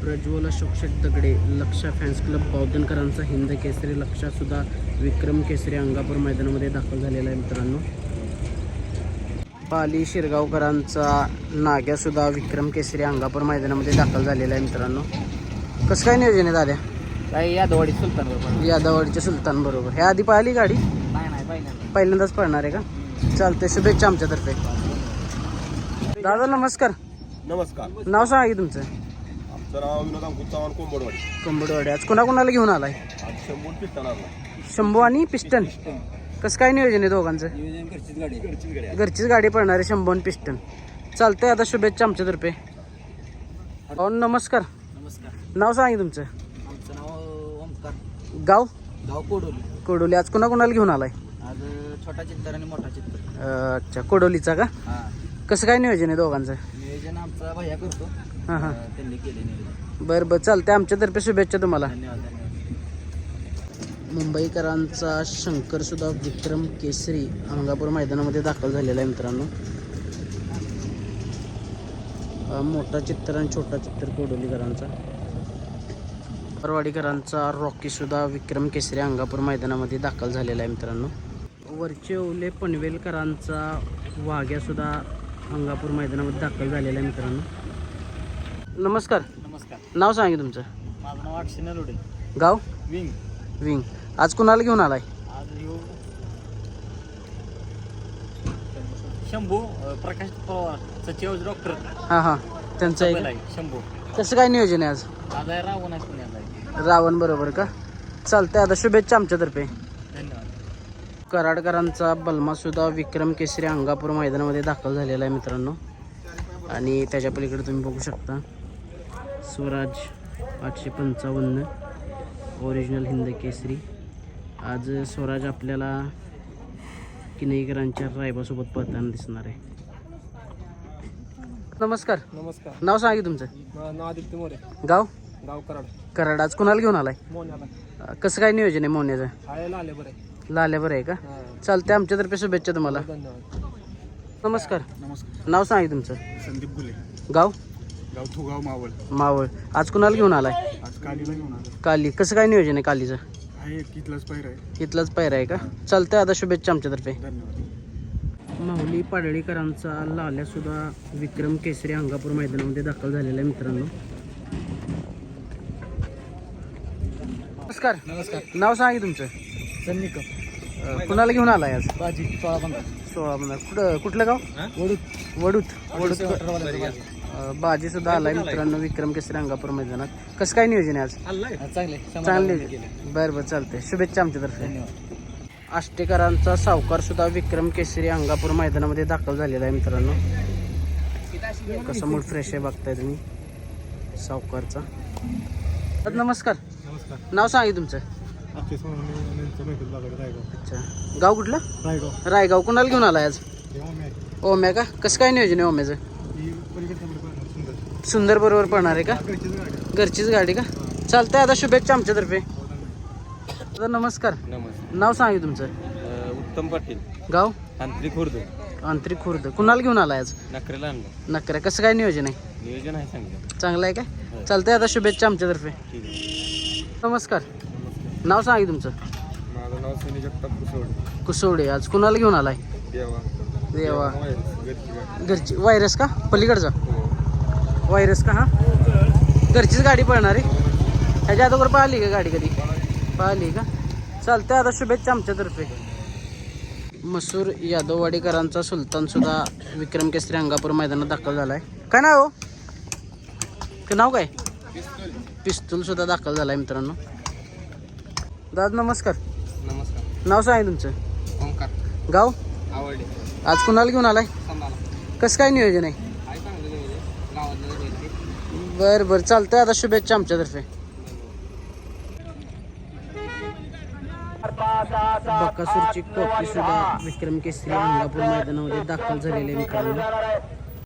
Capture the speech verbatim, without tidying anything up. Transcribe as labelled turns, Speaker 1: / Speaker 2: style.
Speaker 1: Prajwal Ashok Shet Dagade Laksha fans club बौद्धनकरांचा हिंद केसरी लक्षा सुद्धा विक्रम केसरी अंगापूर मैदानामध्ये दाखल झालेला आहे मित्रांनो. पाली शिरगावकरांचा नाग्या सुद्धा विक्रम केसरी अंगापूर मैदानामध्ये दाखल झालेला आहे मित्रांनो. कसं काय नियोजन आहे दादा?
Speaker 2: काही यादवाडी सुलतान बरोबर.
Speaker 1: यादवाडीच्या सुलतान बरोबर. ह्या आधी पाहिली गाडी?
Speaker 2: नाही नाही पहिल्यांदा
Speaker 1: पहिल्यांदाच पळणार आहे का? चालते, शुभेच्छा आमच्यातर्फे. दादा नमस्कार.
Speaker 3: नमस्कार.
Speaker 1: नाव सांगा की तुमचं?
Speaker 3: आमचं नाव विनोद अंकुश चव्हाण कोंबडवाडी.
Speaker 1: कोंबडवाडी. आज कुणाकुणाला घेऊन आलाय?
Speaker 3: आज शंभर पिस्टन आणला.
Speaker 1: शंभू आणि पिस्टन. कसं काय नियोजन आहे दोघांचं?
Speaker 2: नियोजन घरचीच गाडी घरचीच गाडी
Speaker 1: घरचीच गाडी पडणार आहे शंभू आणि पिस्टन. चालतंय, आता शुभेच्छा आमच्यातर्फे. हो नमस्कार.
Speaker 2: नमस्कार.
Speaker 1: नाव सांगा की तुमचं?
Speaker 2: आमचं नाव ओमकार.
Speaker 1: गाव?
Speaker 2: गाव कोडोली.
Speaker 1: कोडोली. आज कुणाकुणाला घेऊन आलाय?
Speaker 2: आज छोटा चित्तर आणि मोठा चित्तर.
Speaker 1: अं, अच्छा, कोडोलीचा का?
Speaker 2: हां.
Speaker 1: कसं काय नियोजन आहे दोघांचं?
Speaker 2: नियोजन आमचा भैया करतो.
Speaker 1: हां हां.
Speaker 2: अं, त्यांनी केले नियोजन.
Speaker 1: बरं बरं, चालतंय, आमच्यातर्फे शुभेच्छा तुम्हाला.
Speaker 2: धन्यवाद धन्यवाद.
Speaker 1: मुंबईकरांचा शंकर सुद्धा विक्रम केसरी अंगापूर मैदानामध्ये दाखल झालेला आहे मित्रांनो. अं, मोठा चित्तर आणि छोटा चित्तर कोडोलीकरांचा. परवाडीकरांचा रॉकी सुद्धा विक्रम केसरी अंगापूर मैदानामध्ये दाखल झालेला आहे मित्रांनो. वरचे ओले पनवेलकरांचा वाघ्या सुद्धा अंगापूर मैदानामध्ये दाखल झालेला आहे मित्रांनो. नमस्कार.
Speaker 2: नमस्कार.
Speaker 1: नाव सांगा तुमचं?
Speaker 2: माझं नाव अक्षय नरोडे.
Speaker 1: गाव?
Speaker 2: विंग.
Speaker 1: विंग. आज कुणाला घेऊन आलाय?
Speaker 2: आज येऊ शंभू अं, प्रकाश पवार सचिव डॉक्टर.
Speaker 1: हां हां, त्यांचं आहे का?
Speaker 2: शंभू.
Speaker 1: कसं काय नियोजन आहे आज?
Speaker 2: आज आहे रावण आहे पुण्याला.
Speaker 1: रावण बरोबर का? चालतंय, आता शुभेच्छा आमच्यातर्फे.
Speaker 2: धन्यवाद.
Speaker 1: कराडकरांचा बलमा सुद्धा विक्रम केसरी अंगापूर मैदानामध्ये दाखल झालेला आहे मित्रांनो. आणि त्याच्या पलीकडे तुम्ही बघू शकता स्वराज आठशे पंचावन्न ओरिजिनल हिंद केसरी. आज स्वराज आपल्याला किनईकरांच्या रायबासोबत पळताना दिसणार आहे. नमस्कार.
Speaker 2: नमस्कार.
Speaker 1: नाव सांगा की तुमचं?
Speaker 2: नाव आदित्य मोरे.
Speaker 1: गाव?
Speaker 2: गाव कराड.
Speaker 1: कराड. आज कुणाला घेऊन आलाय?
Speaker 2: मोन्याला.
Speaker 1: अं, कसं काय नियोजन आहे मोन्याचं?
Speaker 2: आलेला आले बरे.
Speaker 1: लाल्या बरं आहे का? चालतंय, आमच्यातर्फे शुभेच्छा तुम्हाला.
Speaker 2: धन्यवाद.
Speaker 1: नमस्कार.
Speaker 2: नमस्कार.
Speaker 1: नाव सांगा की तुमचं?
Speaker 3: संदीप गुले.
Speaker 1: गाव?
Speaker 3: गाव थुगाव मावळ.
Speaker 1: मावळ. आज कुणाला घेऊन आलाय?
Speaker 3: आज कालीला घेऊन आलो.
Speaker 1: काली. कसं काय नियोजन आहे कालीचं?
Speaker 3: आहे इथलाच पैर आहे.
Speaker 1: इथलाच पायरा आहे का? चालतंय, आता शुभेच्छा आमच्यातर्फे.
Speaker 3: धन्यवाद.
Speaker 1: माहुली पाडळीकरांचा लाल्या सुद्धा विक्रम केसरी अंगापूर मैदानामध्ये दाखल झालेला आहे मित्रांनो. नमस्कार.
Speaker 2: नमस्कार.
Speaker 1: नाव सांगा की तुमचं?
Speaker 2: सन्निक.
Speaker 1: अं, कुणाला घेऊन आलाय आज?
Speaker 2: बाजी सोळा पंधरा.
Speaker 1: सोळा पंधरा. कुठं कुठलं गाव?
Speaker 2: वडूत.
Speaker 1: वडूत. वडूत. अं, बाजी सुद्धा आलाय मित्रांनो विक्रम केसरी अंगापूर मैदानात. कसं काय नियोजन आहे आज?
Speaker 2: चांगले
Speaker 1: चांगले. बरं बरं, चालतंय, शुभेच्छा आमच्यातर्फे.
Speaker 2: धन्यवाद.
Speaker 1: आष्टेकरांचा सावकार सुद्धा विक्रम केसरी अंगापूर मैदानामध्ये दाखल झालेला आहे मित्रांनो. कसं मूड फ्रेश आहे बघताय तुम्ही सावकारचा. तर नमस्कार.
Speaker 3: नमस्कार.
Speaker 1: नाव सांगा तुमचं?
Speaker 3: अक्षय रायगाव.
Speaker 1: अच्छा, गाव कुठलं?
Speaker 3: रायगाव.
Speaker 1: रायगाव. कुणाला घेऊन आलाय आज? ओम्या का? कसं काय नियोजन आहे ओम्याचं?
Speaker 3: सुंदर.
Speaker 1: सुंदर बरोबर पडणार आहे का? घरचीच गाडी का? चालतंय, आता शुभेच्छा आमच्यातर्फे. तर नमस्कार.
Speaker 3: नमस्कार.
Speaker 1: नाव सांगा तुमचं?
Speaker 3: उत्तम पाटील.
Speaker 1: गाव?
Speaker 3: तांत्रिक खुर्द.
Speaker 1: आंतरिक खुर्द. कुणाला घेऊन आलाय आज?
Speaker 3: नखरेला आणलं.
Speaker 1: नकऱ्या. कसं काय नियोजन आहे?
Speaker 3: नियोजन आहे सांगितलं.
Speaker 1: चांगलं आहे काय? चालतंय, आता शुभेच्छा आमच्यातर्फे.
Speaker 3: ठीक आहे.
Speaker 1: नमस्कार. नाव सांगा तुमचं?
Speaker 3: माझं नाव सनी जगताप कुसवड.
Speaker 1: कुसवडे. आज कुणाला घेऊन आलाय?
Speaker 3: देवा.
Speaker 1: देवा.
Speaker 3: घरची.
Speaker 1: घरची. व्हायरस का? पलीकडचा व्हायरस का? हा, घरचीच गाडी पळणार आहे. ह्याच्या अगोदर पाहिली का गाडी कधी? पाहिली का? चालतंय, आता शुभेच्छा आमच्यातर्फे. मसूर यादववाडीकरांचा सुलतान सुद्धा विक्रम केसरी अंगापूर मैदानात दाखल झालाय. काय नाव? काय नाव? काय पिस्तूल सुद्धा दाखल झालाय मित्रांनो. दादा नमस्कार.
Speaker 2: नमस्कार.
Speaker 1: नाव सांगा तुमचं?
Speaker 2: ओंकार.
Speaker 1: गाव?
Speaker 2: आवडले.
Speaker 1: आज कुणाला घेऊन आलाय?
Speaker 2: संभाला.
Speaker 1: कसं काय नियोजन आहे?
Speaker 2: काय चांगलं नियोजन. गावातलं.
Speaker 1: बरं बरं, चालतंय, आता शुभेच्छा आमच्यातर्फे. बकासूरची कॉपी सुद्धा विक्रम केसरी अंगापूर मैदानामध्ये दाखल झालेली आहे मित्रांनो.